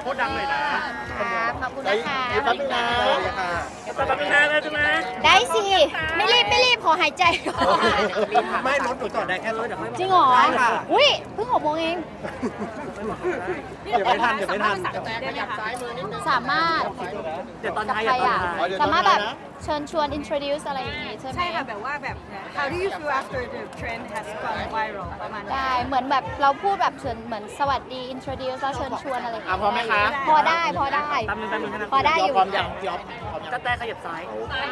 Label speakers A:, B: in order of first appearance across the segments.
A: คตรดังเลยนะ
B: ขอบคุณนะคะ
C: แป๊บนึงนะ
A: แป๊บนึงนะได้ใช่ไหม
B: ได้สิ ไม่รีบขอหายใจก่อน
A: ไม่รถหนูจอดได้แค่รถเดี๋ยวค่อย
B: จริงเหรออุ้ยเพิ่ง6 โมงเอง
A: เดี๋ยวไม่ทันเดี๋ยวไม่ทัน
B: สามารถ
A: เดี๋ยวตอนท้าย
B: ใคร
A: อย่าตอน
B: อ่ะ
A: ท้าย
B: สามารถแบบเชิญชวน introduce อะไรอย่างงี้ใช่ไหม
D: ใช่ค่ะแบบว่าแบบ how do you feel after the trend has gone viral ประมาณนั้น
B: ได้เหมือนแบบเราพูดแบบเชิญเหมือนสวัสดี introduce แล้วเชิญชวนอะไรอย่างเงี้ย
C: พร้อมไหมคะ
B: พอได้
A: แป๊บนึงนะ
B: พอได้อยู่
C: พร้อมยังพี่อ๊อฟพร้อมยัง
A: ก็แต่ขยับซ้าย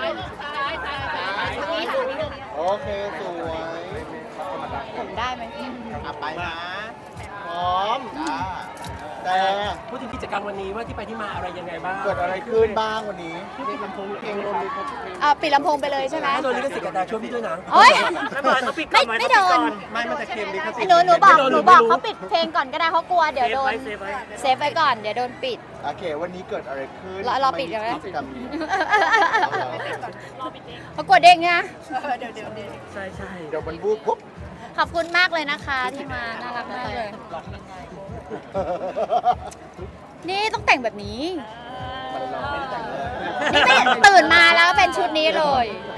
C: โอเคสวย
B: ผมได้ไหม
C: ไปนะพร้อมแต่
A: พูดถึงกิจกรรมวันนี้ว่าที่ไปที่มาอะไรยังไงบ้าง
C: เกิดอะไรขึ้นบ้างวันนี้ลำโพงเพลงลม
B: ปิดลำโพงไปเลยใช่ไหม
A: ถ้าโดนลิขสิทธิ์กันดาช่วยพี่ด้วยนะ
B: โอ๊ย
A: ไม่เป็นไรเขาปิดก่อน
B: ไม่โดน
A: ไม่มันจะเค็มลิขสิทธิ์
B: หนูบอกเขาปิดเพลงก่อนก็ได้เขากลัวเดี๋ยวโดน
A: เซฟไว้
B: เซฟไว้ก่อนเดี๋ยวโดนปิด
C: โอเควันนี้เกิดอะไรขึ้น
B: รอปิดเดี๋ยวนะ
C: กิจกรรมนี้
B: เขากลัวเด้งนะ
A: ใช่ใช่
C: เดี๋ยวมันวูบปุ๊บ
B: ขอบคุณมากเลยนะคะที่มาน่ารักมากเลย นี่ต้องแต่งแบบนี้ นี่ไม่ตื่นมาแล้วเป็นชุดนี้เลย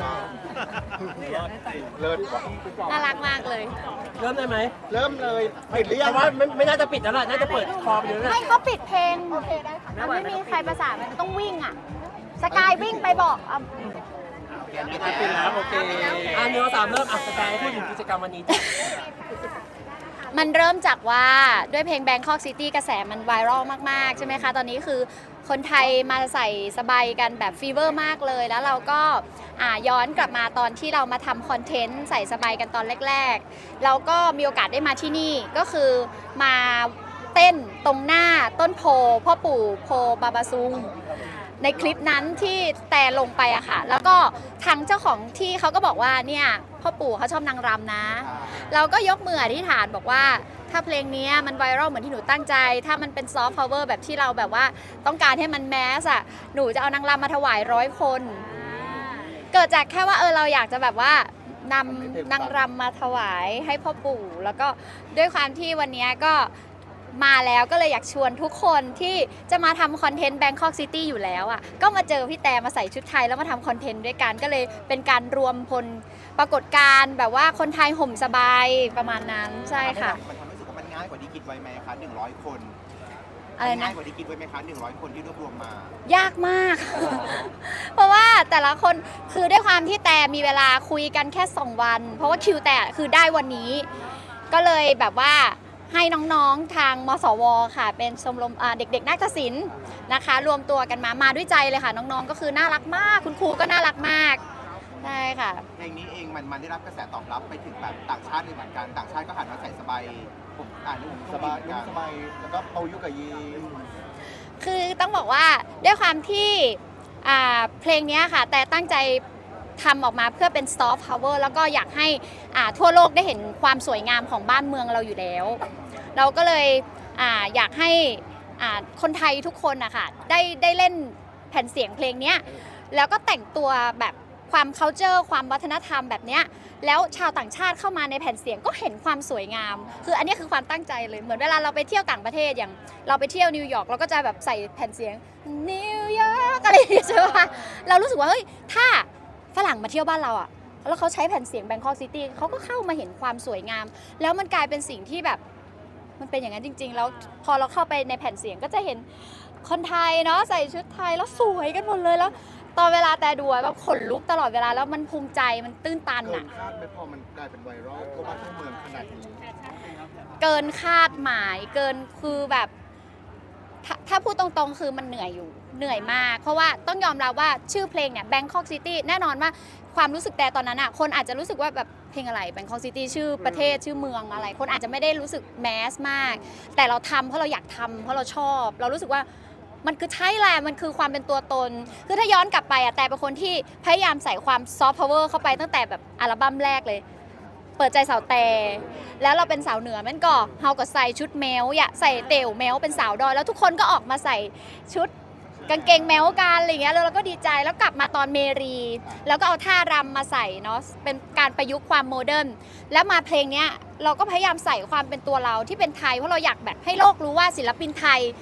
C: เลิศว่ะ
B: น่ารักมากเลย
A: เริ่มได้ไหม
C: เริ่มเลยปิดหรือยั
A: แต่
C: ง
A: ว่าไม่น่าจะปิดแล้วล่ะน่าจะเปิดคอไปเลยนะ
B: ให้เขาปิดเพลงโอเคได้ค่ะมันไม่มีใครประสานมันต้องวิ่งอ่ะ สกายวิ่งไปบอกอ่ะ
A: ปิดแล้วโอเคเนื้อ3เริ่มสกายพูดถึงกิจกรรมวันนี้
B: มันเริ่มจากว่าด้วยเพลง Bangkok City กระแสมันไวรัลมากๆใช่ไหมคะตอนนี้คือคนไทยมาใส่สบายกันแบบฟีเวอร์มากเลยแล้วเราก็ย้อนกลับมาตอนที่เรามาทำคอนเทนต์ใส่สบายกันตอนแรกๆเราก็มีโอกาสได้มาที่นี่ก็คือมาเต้นตรงหน้าต้นโพพ่อปู่โพบาบาซุงในคลิปนั้นที่แต่ลงไปอะค่ะแล้วก็ทางเจ้าของที่เขาก็บอกว่าเนี่ยพ่อปู่เขาชอบนางรำนะ เราก็ยกมืออธิษฐานบอกว่าถ้าเพลงนี้มันไวรัลเหมือนที่หนูตั้งใจ ถ้ามันเป็นซอฟต์พาวเวอร์แบบที่เราแบบว่าต้องการให้มันแมสอะหนูจะเอานางรำมาถวาย100 คน เกิดจากแค่ว่าเราอยากจะแบบว่านำนางรำมาถวายให้พ่อปู่แล้วก็ด้วยความที่วันนี้ก็มาแล้วก็เลยอยากชวนทุกคนที่จะมาทำคอนเทนต์ Bangkok City อยู่แล้วอ่ะก็มาเจอพี่แต่มาใส่ชุดไทยแล้วมาทำคอนเทนต์ด้วยกันก็เลยเป็นการรวมพลปรากฏการณ์แบบว่าคนไทยห่มสบายประมาณนั้นใช่ค่ะ
E: มันทำให้รู้สึกว่ามันง่ายกว่าที่คิดไว้ไหมคะ100 คน
B: อะไรนะ
E: ง่ายกว่าที่คิดไว้ไหมคะ100 คนที่รวบรวมมา
B: ยากมาก เพราะว่าแต่ละคนคือด้วยความที่แต่มีเวลาคุยกันแค่2 วัน เพราะว่าคิวแต่คือได้วันนี้ ก็เลยแบบว่าให้น้องๆทางมสวค่ะเป็นชมรมเด็กๆนาฏศิลป์นะคะ รวมตัวกันมาด้วยใจเลยค่ะน้องๆก็คือน่ารักมากคุณครูก็น่ารักมากใช่ค่ะ
E: เพลงนี้เองมันได้รับกระแสตอบรับไปถึงแบบต่างชาติเลยเหมือนกัน ต่างชาติก็หันมาใส่สบายผมนุ่ม
C: สบาย
E: เหมือนกัน
C: สบายแล้วก็เปายุกะยี
B: คือต้องบอกว่าด้วยความที่เพลงนี้ค่ะแต่ตั้งใจทำออกมาเพื่อเป็นซอฟต์พาวเวอร์แล้วก็อยากให้ทั่วโลกได้เห็นความสวยงามของบ้านเมืองเราอยู่แล้ว เราก็เลยอยากให้คนไทยทุกคนนะคะได้เล่นแผ่นเสียงเพลงนี้แล้วก็แต่งตัวแบบความ culture ความวัฒนธรรมแบบเนี้ยแล้วชาวต่างชาติเข้ามาในแผ่นเสียงก็เห็นความสวยงามคืออันนี้คือความตั้งใจเลยเหมือนเวลาเราไปเที่ยวต่างประเทศอย่างเราไปเที่ยวนิวยอร์กเราก็จะแบบใส่แผ่นเสียงนิวยอร์กอะไรอย่างเงี้ยใช่ปะเรารู้สึกว่าเฮ้ยถ้าฝรั่งมาเที่ยวบ้านเราอะแล้วเขาใช้แผ่นเสียง Bangkok City เขาก็เข้ามาเห็นความสวยงามแล้วมันกลายเป็นสิ่งที่แบบมันเป็นอย่างนั้นจริงๆแล้วพอเราเข้าไปในแผ่นเสียงก็จะเห็นคนไทยเนาะใส่ชุดไทยแล้วสวยกันหมดเลยแล้วตอนเวลาแต่ดูแบบขนลุกตลอดเวลาแล้วมันภูมิใจมันตื้นตัน
C: เกิ
B: อะ
C: นคาดไม่พอมันกลายเป็นไวรัลทั่วบ้านทั่วเมืองขนาดนี้
B: เกินคาดหมายเกินคือแบบถ้าพูดตรงๆคือมันเหนื่อยอยู่เหนื่อยมากเพราะว่าต้องยอมรับว่าชื่อเพลงเนี่ย Bangkok City แน่นอนว่าความรู้สึกแต่ตอนนั้นอ่ะคนอาจจะรู้สึกว่าแบบเพลงอะไร Bangkok City ชื่อประเทศชื่อเมืองอะไรคนอาจจะไม่ได้รู้สึกแมสมากแต่เราทำเพราะเราอยากทำเพราะเราชอบเรารู้สึกว่ามันคือใช่แหละมันคือความเป็นตัวตนคือถ้าย้อนกลับไปอ่ะแต่เป็นคนที่พยายามใส่ความซอฟต์พาวเวอร์เข้าไปตั้งแต่แบบอัลบั้มแรกเลยเปิดใจสาวแต่แล้วเราเป็นสาวเหนือมันก็เฮาก็ใส่ชุดแมวอย่าใส่เตี่ยวแมวเป็นสาวดอยแล้วทุกคนก็ออกมาใส่ชุดกางเกงแมวกันอะไรเงี้ยแล้วเราก็ดีใจแล้วกลับมาตอนเมรีแล้วก็เอาท่ารำมาใส่เนาะเป็นการประยุกต์ความโมเดิร์นแล้วมาเพลงเนี้ยเราก็พยายามใส่ความเป็นตัวเราที่เป็นไทยเพราะเราอยากแบบให้โลกรู้ว่าศิลปินไทย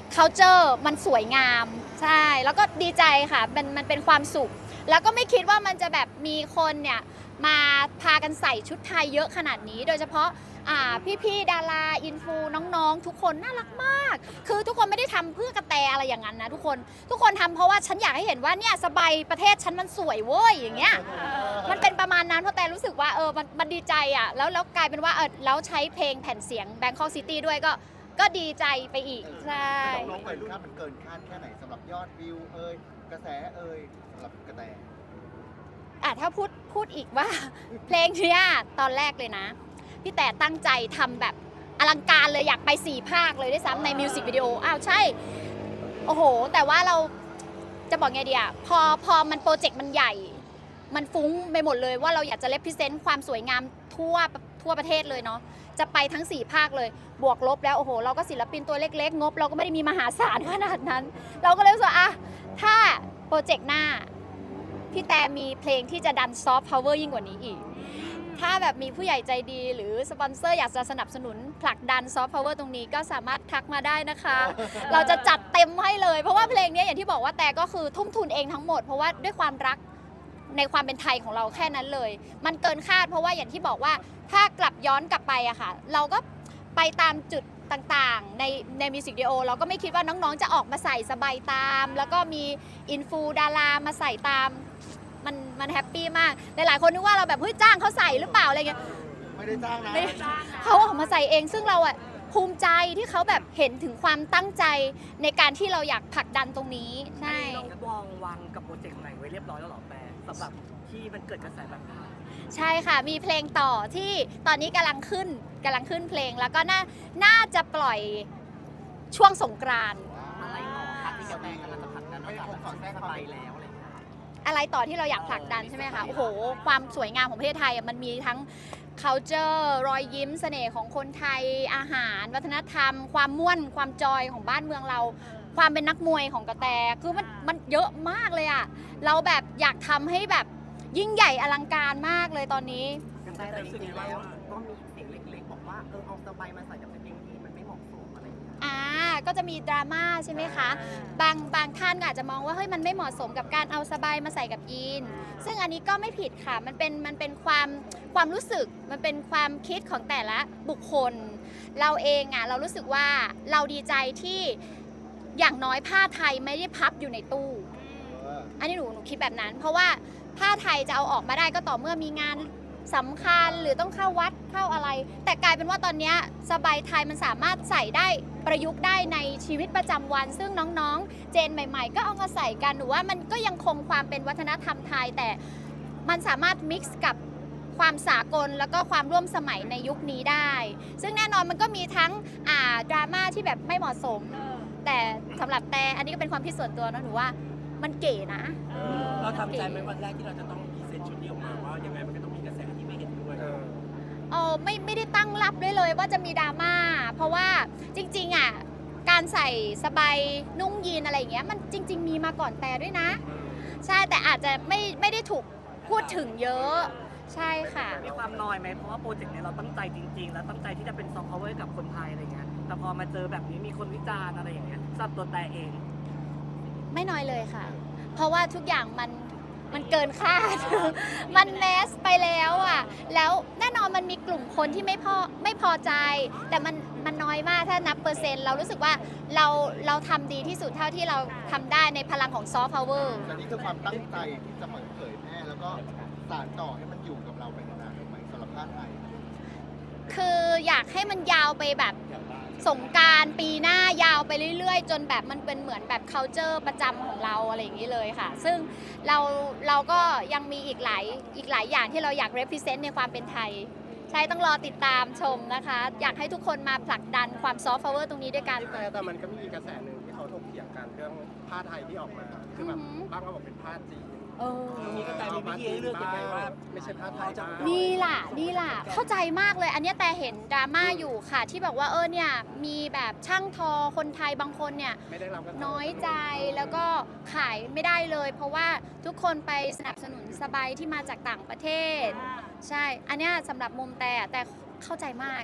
B: culture มันสวยงามใช่แล้วก็ดีใจค่ะมันเป็นความสุข แล้วก็ไม่คิดว่ามันจะแบบมีคนเนี่ยมาพากันใส่ชุดไทยเยอะขนาดนี้ โดยเฉพาะพี่ๆดาราอินฟูน้องๆทุกคนน่ารักมาก คือทุกคนไม่ได้ทำเพื่อกระแตอะไรอย่างนั้นนะทุกคนทำเพราะว่าฉันอยากให้เห็นว่าเนี่ยสบายประเทศฉันมันสวยเว้ยอย่างเงี้ยมันเป็นประมาณนั้นเพราะแต่รู้สึกว่ามันดีใจอ่ะแล้วกลายเป็นว่าแล้วใช้เพลงแผ่นเสียง Bangkok City ด้วยก็ดีใจไปอีกใช่
E: น้องๆวัยรุ่นมันเกินคาดแค่ไหนสำหรับยอดวิวกระแสสำหรับกระแต
B: ถ้าพูดอีกว่า เพลงเนี้ยตอนแรกเลยนะพี่แต่ตั้งใจทำแบบอลังการเลยอยากไป4 ภาคเลยด้วยซ้ำในมิวสิกวิดีโอใช่โอ้โหแต่ว่าเราจะบอกไงดีอะพอมันโปรเจกต์มันใหญ่มันฟุ้งไปหมดเลยว่าเราอยากจะเลพิเซนต์ความสวยงามทั่วประเทศเลยเนาะจะไปทั้ง4 ภาคเลยบวกลบแล้วโอ้โหเราก็ศิลปินตัวเล็กๆงบเราก็ไม่ได้มีมหาศาลขนาดนั้น เราก็เลยรู้สึกว่าถ้าโปรเจกต์หน้าพี่แต่มีเพลงที่จะดันซอฟต์พาวเวอร์ยิ่งกว่านี้อีกถ้าแบบมีผู้ใหญ่ใจดีหรือสปอนเซอร์อยากจะสนับสนุนผลักดันซอฟต์พาวเวอร์ตรงนี้ก็สามารถทักมาได้นะคะ เราจะจัดเต็มให้เลยเพราะว่าเพลงนี้อย่างที่บอกว่าแต่ก็คือทุ่มทุนเองทั้งหมดเพราะว่าด้วยความรักในความเป็นไทยของเราแค่นั้นเลยมันเกินคาดเพราะว่าอย่างที่บอกว่าถ้ากลับย้อนกลับไปอะค่ะเราก็ไปตามจุดต่างๆในมิวสิกวิดีโอเราก็ไม่คิดว่าน้องๆจะออกมาใส่สบายตามแล้วก็มีอินฟูดารามาใส่ตามมันแฮปปี้มากหลายๆคนนึกว่าเราแบบเฮ้ยจ้างเขาใส่หรือเปล่าอะไรเงี้ย
E: ไม่ได้จ้างนะ
B: เขาออกมาใส่เองซึ่งเราอะภูมิใจที่เขาแบบเห็นถึงความตั้งใจในการที่เราอยากผลักดันตรงนี้ใช่
A: วางกับโปรเจกต์ใหม่ไว้เรียบร้อยแล้วหรอแปรสำหรับที่มันเกิดกระแสแบบนี้
B: ใช่ค่ะมีเพลงต่อที่ตอนนี้กำลังขึ้นเพลงแล้วก็น่าจะปล่อยช่วงสงกรานต์
A: อะไรต่อคะที่กระแตกำลังจะผลักดันนอกจากแบบสบายแล้วอะไรอย่างเงี้ย
B: อะไรต่อที่เราอยากผลักดันใช่ไหมคะโอ้โหความสวยงามของประเทศไทยมันมีทั้ง culture รอยยิ้มเสน่ห์ของคนไทยอาหารวัฒนธรรม ความม่วนความจอยของบ้านเมืองเรา ความเป็นนักมวยของกระแตคือมันเยอะมากเลยอะเราแบบอยากทำให้แบบยิ่งใหญ่อลังการมากเลยตอนนี้
A: แต่จริงๆแล้วก็มีเสียงเล็กๆบอกว่าเอาสบายมาใส่กับเพลงนี้มันไม่เหมาะสมอะไรอย่างเงี้ย
B: ก็จะมีดราม่าใช่ไหมคะบางท่านก็อาจจะมองว่าเฮ้ยมันไม่เหมาะสมกับการเอาสบายมาใส่กับยีนซึ่งอันนี้ก็ไม่ผิดค่ะมันเป็นความรู้สึกมันเป็นความคิดของแต่ละบุคคล เราเองเรารู้สึกว่าเราดีใจที่อย่างน้อยผ้าไทยไม่ได้พับอยู่ในตู้อันนี้หนูคิดแบบนั้น เพราะว่าผ้าไทยจะเอาออกมาได้ก็ต่อเมื่อมีงานสำคัญหรือต้องเข้าวัดเข้าอะไร แต่กลายเป็นว่าตอนนี้สบายไทยมันสามารถใส่ได้ประยุกต์ได้ในชีวิตประจำวัน ซึ่งน้องๆเจนใหม่ๆก็เอามาใส่กันหนูว่ามันก็ยังคงความเป็นวัฒนธรรมไทยแต่มันสามารถมิกซ์กับความสากลแล้วก็ความร่วมสมัยในยุคนี้ได้ ซึ่งแน่นอนมันก็มีทั้งดราม่าที่แบบไม่เหมาะสมแต่สำหรับแต่อันนี้ก็เป็นความคิดส่วนตัวนะหนูว่ามันเก๋นะ
A: เราทำใจไหมวันแรกที่เราจะต้องพรีเซนต์ชุดนี้ออกมาว่ายังไงมันก็ต้องมีกระแสที่ไม่เห็นด้วย
B: ไม่ได้ตั้งรับด้วยเลยว่าจะมีดราม่าเพราะว่าจริงๆการใส่สบายนุ่งยีนอะไรอย่างเงี้ยมันจริงๆมีมาก่อนแต่ด้วยนะใช่แต่อาจจะไม่ได้ถูกพูดถึงเยอะใช่ค่ะ
A: มีความน้อยไหมเพราะว่าโปรเจกต์นี้เราตั้งใจจริงๆแล้วตั้งใจที่จะเป็นซอฟต์พาวเวอร์กับคนไทยอะไรเงี้ยแต่พอมาเจอแบบนี้มีคนวิจารณ์อะไรอย่างเงี้ยสำหรับตัวแต่เอง
B: ไม่น้อยเลยค่ะ เพราะว่าทุกอย่างมันเกินคาด มันแมสไปแล้วแล้วแน่นอนมันมีกลุ่มคนที่ไม่พอใจ แต่มันน้อยมากถ้านับเปอร์เซ็นต์เรารู้สึกว่าเราทำดีที่สุดเท่าที่เราทำได้ในพลังของซอฟต์พาวเวอร์
E: แต่นี่คือความตั้งใจที่จะเผยแพร่แล้วก็สานต่อให้มันอยู่กับเราไปนานๆถูกไหมสำหรับผ้าไทย
B: คืออยากให้มันยาวไปแบบสงกรานต์ปีหน้ายาวไปเรื่อยๆ จนแบบมันเป็นเหมือนแบบ culture ประจำของเราอะไรอย่างนี้เลยค่ะ ซึ่งเราก็ยังมีอีกหลายอย่างที่เราอยาก represent ในความเป็นไทย ใช่ต้องรอติดตามชมนะคะ อยากให้ทุกคนมาผลักดันความ soft power ตรงนี้ด้วยกัน
F: แต่มันก็มีกระแสหนึ่งที่เขาถกเถียงกันเรื่องผ้าไทยที่ออกมา คือแบบบางก็บอกเป็นผ้าจีน
A: มีกระแตมีวิธีให้เลือกยังไงว่า
F: ไม่ใช่ผ้าไทยจ้า
B: นี่ล่ะเข้าใจมากเลยอันเนี้ยแต่เห็นดราม่าอยู่ค่ะที่บอกว่าเนี่ยมีแบบช่างทอคนไทยบางคนเนี่ย
F: ไม่ได้รับกัน
B: น้อยใจแล้วก็ขายไม่ได้เลย เพราะว่าทุกคนไปสนับสนุนสบายที่มาจากต่างประเทศ ใช่อันเนี้ยสำหรับมุมแต่เข้าใจมาก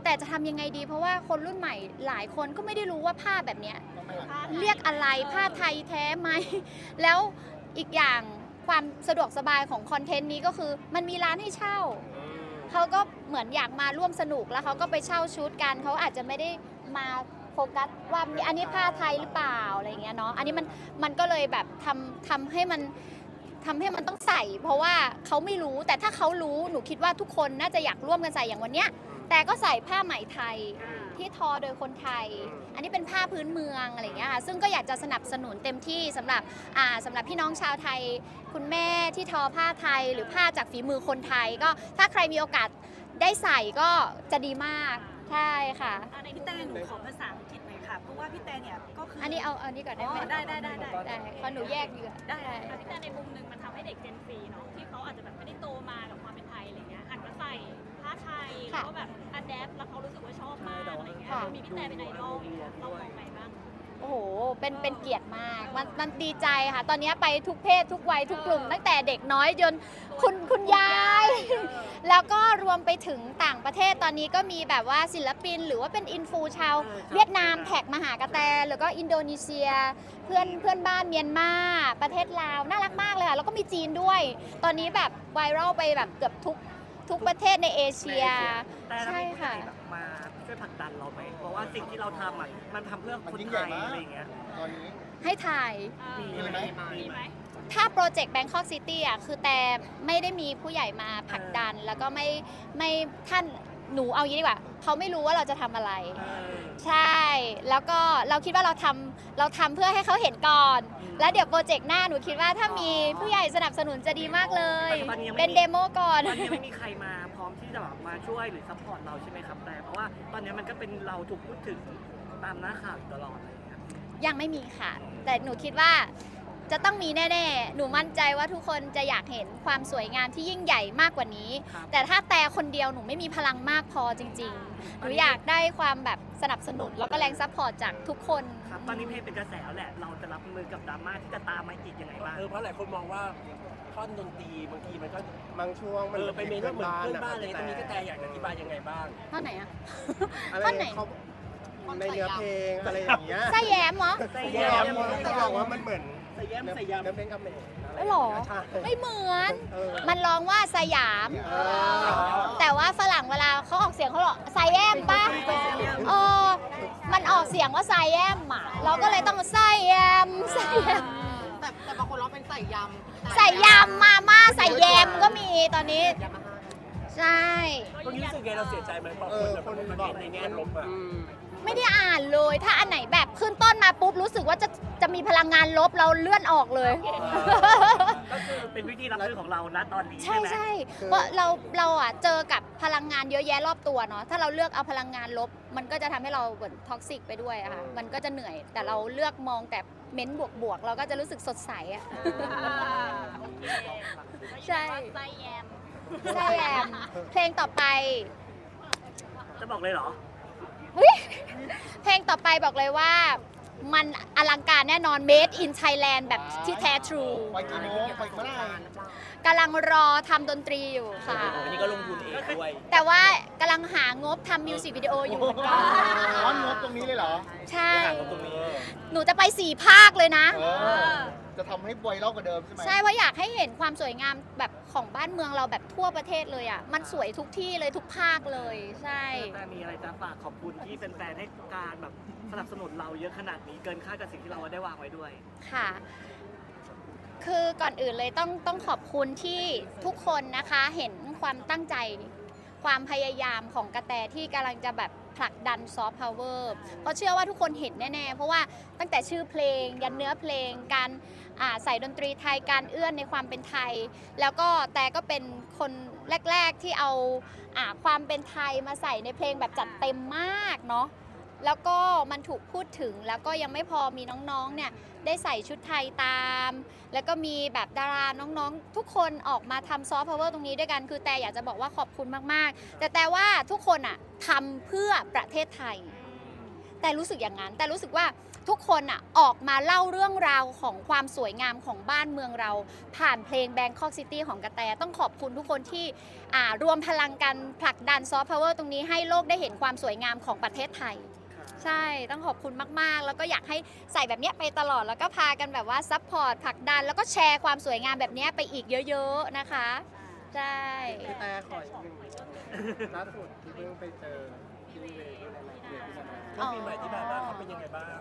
B: แต่จะทำยังไงดี เพราะว่าคนรุ่นใหม่หลายคนก็ไม่ได้รู้ว่าผ้าแบบเนี้ยเรียกอะไรผ้าไทยแท้ไหม แล้วอีกอย่างความสะดวกสบายของคอนเทนต์นี้ก็คือมันมีร้านให้เช่า เขาก็เหมือนอยากมาร่วมสนุกแล้วเขาก็ไปเช่าชุดกันเขาอาจจะไม่ได้มาโฟกัสว่าอันนี้ผ้าไทยหรือเปล่าอะไรอย่างเงี้ยเนาะอันนี้มันก็เลยแบบทำให้มันต้องใส่ เพราะว่าเขาไม่รู้แต่ถ้าเขารู้หนูคิดว่าทุกคนน่าจะอยากร่วมกันใส่อย่างวันเนี้ยแต่ก็ใส่ผ้าไหมไทยที่ทอโดยคนไทย อันนี้เป็นผ้าพื้นเมืองอะไรอย่างเงี้ยค่ะซึ่งก็อยากจะสนับสนุนเต็มที่สำหรับพี่น้องชาวไทยคุณแม่ที่ทอผ้าไทยหรือผ้าจากฝีมือคนไทยก็ถ้าใครมีโอกาสได้ใส่ก็จะดีมากใช่ค่ะ
D: พี่แต่หนูขอภาษาอังกฤษหน่อยค่ะ เพราะว่าพี่แต่เนี่ยก็คือ
B: อั
D: อั
B: นนี้เอาอันนี้ก่อนได้ไหม
D: ได้
B: ได้ขอหนูแยกดีกว่า
D: ได้
G: พี่แต่ในมุมหนึ่งมันทำให้เด็กเจนซีเนาะที่เขาอาจจะแบบไม่ได้โตมากับความเป็นไทยอะไรเงี้ยหันมาใส่ผ้าไทยแล้วก็แบบอัดแอปแล้วเขารู้สึกว่าชอบมากอะไรเงี้ยมีพี่แต่เป็นไอดอลเรามองไงบ้าง
B: โอ้โหเป็นเกียรติมากมันดีใจค่ะ ตอนนี้ไปทุกเพศทุกวัยทุกกลุ่มตั้งแต่เด็กน้อยจนคุณยาย แล้วก็รวมไปถึงต่างประเทศตอนนี้ก็มีแบบว่าศิลปินหรือว่าเป็นอินฟูชาวเวียดนามแท็กมาหากระแตหรือก็อินโดนีเซียเพื่อนบ้านเมียนมาประเทศลาวน่ารักมากเลยค่ะแล้วก็มีจีนด้วย ตอนนี้แบบไวรัลไปแบบเกือบทุกประเทศในเอเชีย
A: แต่ถ้า
B: ใช่
A: มีผู้ใหญ่
B: ค่ะ
A: แบบมาช่วยผลักดันเราไหมเพราะว่าสิ่งที่เราทำอ่ะมันทำเพื่อคนไทยอะไรอย่างเงี้ย
E: ตอนนี้
B: ให้ถ่าย
A: มีไหม
G: มีไหม
B: ถ้าโปรเจกต์ Bangkok City อ่ะคือแต่ไม่ได้มีผู้ใหญ่มาผลักดัน แล้วก็ไม่ท่านหนูเอางี้ดีกว่าเขาไม่รู้ว่าเราจะทำอะไร ใช่ แล้วก็เราคิดว่าเราทำเพื่อให้เขาเห็นก่อน แล้วเดี๋ยวโปรเจกต์หน้าหนูคิดว่าถ้ามีผู้ใหญ่สนับสนุนจะดีมากเลย
A: ตอนนี้ยังไม่มี
B: เป็นเดโมก่อน
A: ตอนนี้ไม่มีใครมาพร้อมที่จะแบบมาช่วยหรือซัพพอร์ตเราใช่ไหมครับแต่เพราะว่าตอนนี้มันก็เป็นเราถูกพูดถึงตามหน้าข่าวอยู่ตลอดอะไรอย่างเงี้ย
B: ยังไม่มีค่ะ แต่หนูคิดว่าจะต้องมีแน่ๆ หนูมั่นใจว่าทุกคนจะอยากเห็นความสวยงามที่ยิ่งใหญ่มากกว่านี้
A: ครับ
B: แต่ถ้าแต่คนเดียวหนูไม่มีพลังมากพอจริงๆ หนูอยากได้ความแบบสนับสนุนแล้วก็แรงซัพพอร์ตจากทุกคน
A: ครับตอนนี้เพลงเป็นกระแสแล้วแหละเราจะรับมือกับดราม่าที่จะตามมาอีกยังไงบ้าง
C: เพราะหลายคนมองว่าท่อนดนตรีบางทีมันก็
F: บางช่วงมัน
C: ไปเมนว่าเหมือนเพื่อนบ้านเลยตรงนี้ก็แต่อยากจะอธิบายยังไงบ้าง
B: ท่อนไหนอะ
F: อะไร
B: ท่อนไหน
F: เขาในเนื้อเพลงอะไรอย่างเงี้ย
B: ไส้แย้มเหรอ
F: แย้มเขาบอกว่ามันเหมือน
C: ใส่แย้มใส่ยำ
F: เนื้อเพลงคำเขมรอะไร
B: ไม่หรอ
F: ใช่
B: ไม่เหมือน
F: เออ
B: มันร้องว่าสยาม แต่ว่าฝรั่งเวลาเขาออกเสียงเขาหรอกไซแอมป่ะเออมันออกเสียงว่าไซแอมอ่ะ เราก็เลยต้องไซแอมไซแอม
C: แต่บางคนร้องเป็นใส่ยำ
B: ใส่ยำมาม่าใส่แยมก็มีตอนนี้ ใช่
C: ตรงนี้รู้สึกไงเราเสียใจไหมพอคนแบบมันในแง่ลบอ่ะ
B: ไม่ได้อ่านเลย ถ้าอันไหนแบบขึ้นต้นมาปุ๊บรู้สึกว่าจะมีพลังงานลบเราเลื่อนออกเลย
A: ก็คือเป็นวิธีรับมือของเรานะตอนนี้
B: ใช่
A: ใช่ไหม
B: ใช่เพราะเราอ่ะเจอกับพลังงานเยอะแยะรอบตัวเนาะถ้าเราเลือกเอาพลังงานลบ มันก็จะทำให้เราเหมือนท็อกซิกไปด้วยอะค่ะมันก็จะเหนื่อย แต่เราเลือกมองแต่เม้นบวกๆเราก็จะรู้สึกสดใสอะ ใช่
G: ไส้แยม
B: ใช่แอมเพลงต่อไป
A: จะบอกเลยเหรอ
B: เฮ้ยเพลงต่อไปบอกเลยว่า มันอลังการแน่นอน Made in Thailand แบบที่แท้ทรู
E: ไปกี่โมงไปเมื่อไหร่
B: กำลังรอทำดนตรีอยู่ค่ะ
C: อันนี้ก็ลงทุนเองด้วย
B: แต่ว่ากำลังหางบทำมิวสิกวิดีโออยู่เหมือนกัน
E: ร้อนงบตรงนี้เลยเหรอ
B: ใช่
C: ตรงนี้
B: หนูจะไป4 ภาคเลยนะ
E: จะทำให้ไวรัลกว่าเดิมใช่ไหม
B: ใช่เพราะอยากให้เห็นความสวยงามแบบของบ้านเมืองเราแบบทั่วประเทศเลยอ่ะ มันสวยทุกที่เลยทุกภาคเลย ใช่
A: แต่มีอะไรจะฝากขอบคุณที่เป็นแฟนๆให้การแบบสนับสนุนเราเยอะขนาดนี้เกินคาดกับสิ่งที่เราได้วางไว้ด้วย
B: ค่ะ คือก่อนอื่นเลยต้องขอบคุณที่ทุกคนนะคะเห็นความตั้งใจ ความพยายามของกระแตที่กำลังจะแบบผลักดันซอฟต์พาวเวอร์เพราะเชื่อว่าทุกคนเห็นแน่ๆ เพราะว่าตั้งแต่ชื่อเพลง ยันเนื้อเพลง การใส่ดนตรีไทย การเอื้อนในความเป็นไทย แล้วก็แต่ก็เป็นคนแรก ๆที่เอาความเป็นไทยมาใส่ในเพลงแบบจัดเต็มมากเนาะ แล้วก็มันถูกพูดถึงแล้วก็ยังไม่พอมีน้องๆ เนี่ยได้ใส่ชุดไทยตาม แล้วก็มีแบบดาราน้องๆ ทุกคนออกมาทำซอฟต์พาวเวอร์ตรงนี้ด้วยกัน คือแต่อยากจะบอกว่าขอบคุณมากๆ แต่ว่าทุกคนอะทำเพื่อประเทศไทย แต่รู้สึกอย่างนั้น แต่รู้สึกว่าทุกคนอ่ะออกมาเล่าเรื่องราวของความสวยงามของบ้านเมืองเรา ผ่านเพลง Bangkok City ของกระแตต้องขอบคุณทุกคนที่รวมพลังกันผลักดันซอฟต์พาวเวอร์ตรงนี้ให้โลกได้เห็นความสวยงามของประเทศไทย ใช่ต้องขอบคุณมากๆ แล้วก็อยากให้ใส่แบบเนี้ยไปตลอดแล้วก็พากันแบบว่าซัพพอร์ตผลักดันแล้วก็แชร์ความสวยงามแบบเนี้ยไปอีกเยอะๆนะคะใช่
F: พี่แต่ขออีกหนึ่งล่าสุดที่เพิ่งไปเจอพี่เวย์ด้วยในเดือนที่แล้ว
B: อ๋อ
H: ปีใหม่ที่ผ่านมาเขาเป็นยังไงบ้าง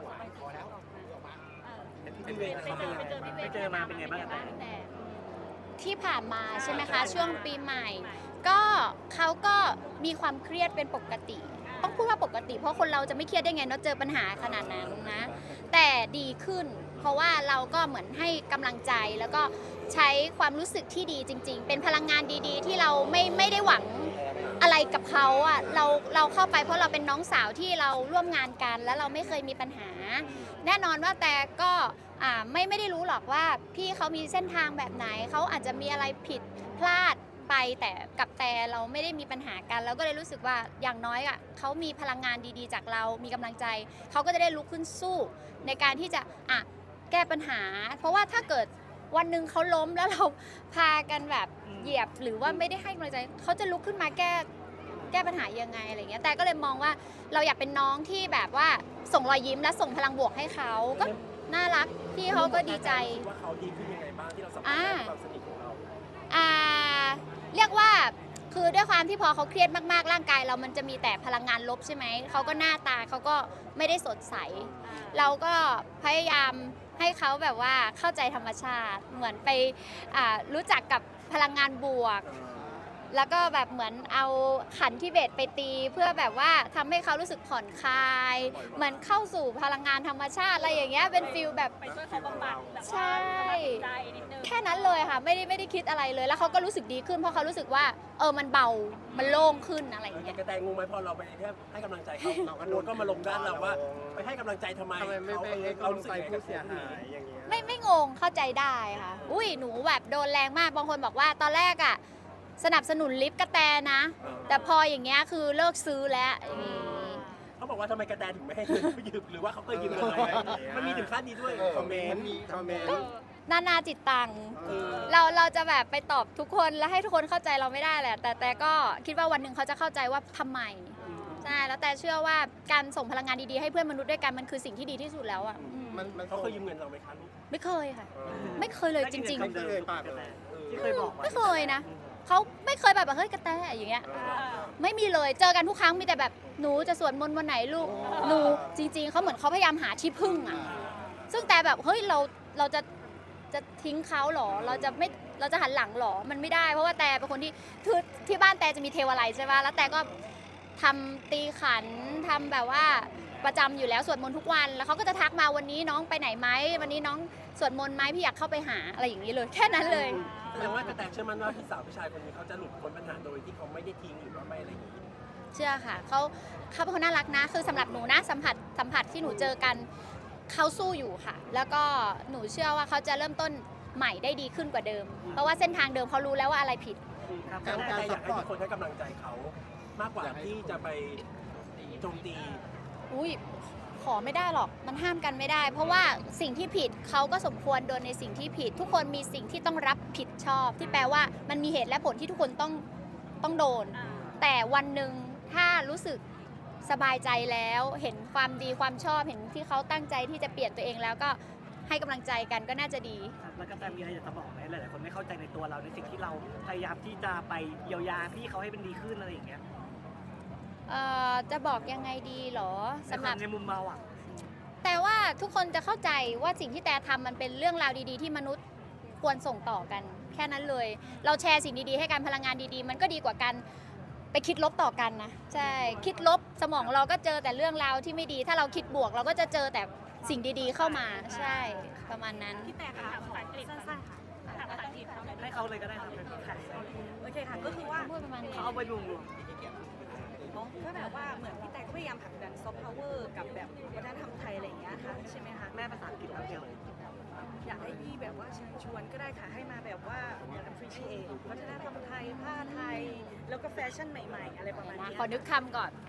H: พี่เวย์เขาเป็นยังไง
G: ไปเจอพี่เว
A: ไปเจอมาเป็นไงบ้างกันแต่
B: ที่ผ่านมาใช่ไหมคะช่วงปีใหม่ ก็เขาก็มีความเครียดเป็นปกติ ต้องพูดว่าปกติเพราะคนเราจะไม่เครียดได้ไงเนาะเจอปัญหาขนาดนั้นนะแต่ดีขึ้น เพราะว่าเราก็เหมือนให้กำลังใจแล้วก็ใช้ความรู้สึกที่ดีจริง ๆ เป็นพลังงานดีๆ ที่เราไม่ได้หวังอะไรกับเขาอ่ะเราเข้าไปเพราะเราเป็นน้องสาวที่เราร่วมงานกันแล้วเราไม่เคยมีปัญหา แน่นอนว่าแต่ก็ไม่ได้รู้หรอกว่าพี่เขามีเส้นทางแบบไหนเขาอาจจะมีอะไรผิดพลาดไปแต่กับแต่เราไม่ได้มีปัญหากันเราก็เลยรู้สึกว่าอย่างน้อยอ่ะเขามีพลังงานดีๆจากเรามีกำลังใจเขาก็จะได้ลุกขึ้นสู้ในการที่จะแก้ปัญหา เพราะว่าถ้าเกิดวันหนึ่งเขาล้มแล้วเราพากันแบบเหยียบหรือว่าไม่ได้ให้กำลังใจเขาจะลุกขึ้นมาแก้ปัญหายังไงอะไรเงี้ยแต่ก็เลยมองว่าเราอยากเป็นน้องที่แบบว่าส่งรอยยิ้มและส่งพลังบวกให้เขาก็น่ารักพี่เขาก็ดีใจ
H: ว่าเขาดีขึ้นยังไงบ้างที่เราสัมผัสได้ความสนิทของเรา
B: เรียกว่าคือด้วยความที่พอเขาเครียดมากๆร่างกายเรามันจะมีแต่พลังงานลบใช่ไหมเขาก็หน้าตาเขาก็ไม่ได้สดใส เราก็พยายามให้เขาแบบว่าเข้าใจธรรมชาติเหมือนไปรู้จักกับพลังงานบวก แล้วก็แบบเหมือนเอาขันทิเบตไปตีเพื่อแบบว่าทำให้เขารู้สึกผ่อนคลาย เหมือนเข้าสู่พลังงานธรรมชาติอะไรอย่างเงี้ยเป็นฟิลแบบ
G: ไปช่วยเขาบำบัดแบบ
B: ใช่
G: ว่าสบายใจนิดนึง
B: แค่นั้นเลยค่ะไม่ได้คิดอะไรเลยแล้วเขาก็รู้สึกดีขึ้นเพราะเขารู้สึกว่ามันเบามันโล่งขึ้นอะไรอย่างเงี้ย
H: กระแตงงไหมพอเราไปแค่ให้กำลังใจเขาเราก็มาลงด้านเราว่า ไปให้กำลังใจทำไม
F: ทำไมไม่ไปให้กำลังใจผู้เสียหายอย่างเงี้ย
B: ไม่งงเข้าใจได้ค่ะอุ้ยหนูแบบโดนแรงมากบางคนบอกว่าตอนแรกสนับสนุนลิฟต์กระแตนะ แต่พออย่างเงี้ยคือเลิกซื้อแล้วอย่างงี้
H: เขาบอกว่าทำไมกระแตถึงไม่ให้เงินเขายืมหรือว่าเขาเคยยืมเงินอะไรมันมีถึงขั้นนี้ด้วย
F: คอมเมนต์คอมเมนต์
B: นานาจิตตังเราจะแบบไปตอบทุกคนแล้วให้ทุกคนเข้าใจเราไม่ได้แหละแต่ก็คิดว่าวันหนึ่งเขาจะเข้าใจว่าทำไมใช่แล้วแต่เชื่อว่าการส่งพลังงานดีๆให้เพื่อนมนุษย์ด้วยกันมันคือสิ่งที่ดีที่สุดแล้วอ่ะ
F: มัน
H: เขาเคยยืมเงินเราไหมคะลูก
B: ไม่เคยค่ะ ไม่เคยเลยจริง
F: ไม่เคยเลยปากเลย
A: ที่เคยบอก
B: ๆ ไม่เคยนะเขาไม่เคยแบบเฮ้ยกระแตอย่างเงี้ยไม่มีเลยเจอกันทุกครั้งมีแต่แบบหนูจะสวดมนต์วันไหนลูกหนูจริงๆเขาเหมือนเขาพยายามหาที่พึ่งอ่ะซึ่งแต่แบบเฮ้ยเราจะทิ้งเขาหรอเราจะหันหลังหรอมันไม่ได้เพราะว่าแต่เป็นคนที่บ้านแต่จะมีเทวาลัยใช่ป่ะแล้วแต่ก็ทำตีขันทำแบบว่าประจำอยู่แล้วสวดมนต์ทุกวันแล้วเขาก็จะทักมาวันนี้น้องไปไหนไหมวันนี้น้องสวดมนต์ไหมพี่อยากเข้าไปหาอะไรอย่างนี้เลยแค่นั้นเลย
H: แสดงว่ากระแตเชื่อมั่นว่าพี่สาวผู้ชายคนนี้เขาจะหลุดพ้นปัญหาโดยที่เขาไม่ได้ทิ้งหรือว่าไม่อะไรอย่างนี้
B: เชื่อค่ะเขาเป็นคนน่ารักนะคือสำหรับหนูนะสัมผัสที่หนูเจอกันเขาสู้อยู่ค่ะ แล้วก็หนูเชื่อว่าเขาจะเริ่มต้นใหม่ได้ดีขึ้นกว่าเดิม เพราะว่าเส้นทางเดิมเขารู้แล้วว่าอะไรผิด
H: การอยากให้ทุกคนให้กำลังใจเขามากกว่าที่จะไปโจมตี
B: อุ้ยขอไม่ได้หรอกมันห้ามกันไม่ได้ เพราะว่าสิ่งที่ผิดเขาก็สมควรโดนในสิ่งที่ผิด ทุกคนมีสิ่งที่ต้องรับผิดชอบ ที่แปลว่ามันมีเหตุและผลที่ทุกคนต้องโดน แต่วันหนึ่งถ้ารู้สึกสบายใจแล้วเห็นความดีความชอบเห็นที่เขาตั้งใจที่จะเปลี่ยนตัวเองแล้วก็ให้กำลังใจกันก็น่าจะดี
A: แล้วก็แต่มีอะไรอยากจะบอกไหมหลายๆคนไม่เข้าใจในตัวเราในสิ่งที่เราพยายามที่จะไปเยียวยาพี่เขาให้เป็นดีขึ้นอะไรอย่างเงี้ย
B: จะบอกยังไงดีเหรอสำหรับ
A: ในมุมเราอ่ะ
B: แต่ว่าทุกคนจะเข้าใจว่าสิ่งที่แต่ทำมันเป็นเรื่องราวดีๆ ที่มนุษย์ควรส่งต่อกัน แค่นั้นเลย เราแชร์สิ่งดีๆให้กันพลังงานดีๆ มันก็ดีกว่ากันไปคิดลบต่อกันนะใช่คิดลบสมองเราก็เจอแต่เรื่องราวที่ไม่ดี ถ้าเราคิดบวกเราก็จะเจอแต่สิ่งดีๆเข้ามาใช่ประมาณนั้น
G: พี่แต่ค่ะขอสั้นๆค่ะถามภาษาอังกฤษเขาหน่อย
A: ให้เขาเลยก็ได้ครับ
D: โอเคค่ะ ก็คือว่า
B: พูดประมาณนี้
A: เขาเอาไปรวม
D: ก็แบบว่าเหมือนพี่แต่ก็พยายามผลักดันซอฟต์พาวเวอร์กับแบบวัฒนธรรมไทยอะไรอย่างเงี้ยค่ะใช่ไหมคะ
A: ๆแม่ภาษาอังกฤษแล้วเดียว
D: อยากให้พี่แบบว่าเชิญชวนก็ได้ค่ะให้มาแบบว่า appreciate วัฒนธรรมไทยผ้าไทย แล้วก็แฟชั่นใหม่ๆ อะไรประมาณ
B: นะ
D: นี้
B: ขอนึกคำก่อน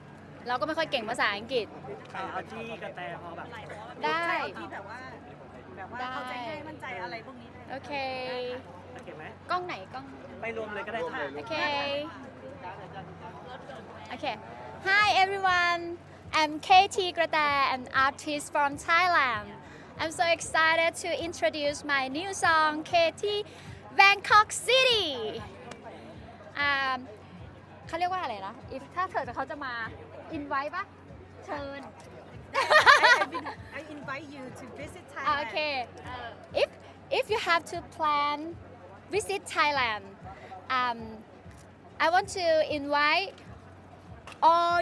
B: เราก็ไม่ค่อยเก่งภาษาอังกฤษ
A: เอาที่กระแตพอแบบ
B: ได้
D: ที่แบบว่าเข้าใจง่ายมั่นใจอะไรพวกนี้ได้
B: โอเค
A: โอเคไหม
B: กล้องไหนกล้อง
A: ไปรวมเลยก็ได้ค่ะ
B: โอเค Okay. Hi everyone. I'm KT Greta, an artist from Thailand. I'm so excited to introduce my new song KT Bangkok City. เขาเรียกว่าอะไรนะ if ถ้าเขาจะมา invite ปะเชิญ
D: I invite you to visit
B: โอ
D: Thailand
B: เค if you have to plan visit Thailand I want to invite all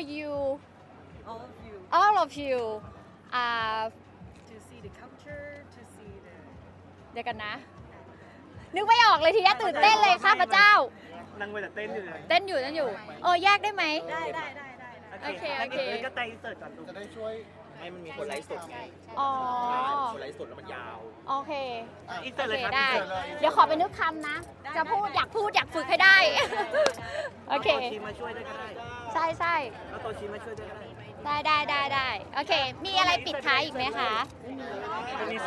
B: of you
D: to see the culture to see the
B: เดี๋ยวกันนะ นึกไม่ออกเลยทีนี้ตื่นเต้นเลยข้าพเจ้า
A: นั่งไปแต่เต้นอยู่เลย
B: เต้นอยู่แยกได้ไหม
D: ได้
B: โอเค
A: งั้นเดี๋ยวก็แตอินเสิร์ตก่อนลูก
F: จะได้ช่วย
C: ให้มันมีคนไลฟ์สดไง
B: อ๋อ
C: คนไลฟ์สดแล้วมันยาว
B: โอเค
A: อินเสิร์ต
B: โอ
A: เลย
B: เค
A: ครับ
B: ได้
A: อินเสิร์ตเลย
B: เดี๋ยวขอไปนึกคำนะ จะพูดอยากฝึกให้ได้ โอเค
A: าตัวชีมาช่วยด้วยก็ได้
B: ใช่
A: เอาตัวชีมาช่วยด้วยก็ได้
B: ได้ โอเค มีอะไรปิดท้ายอีกไหมคะ
A: จะมี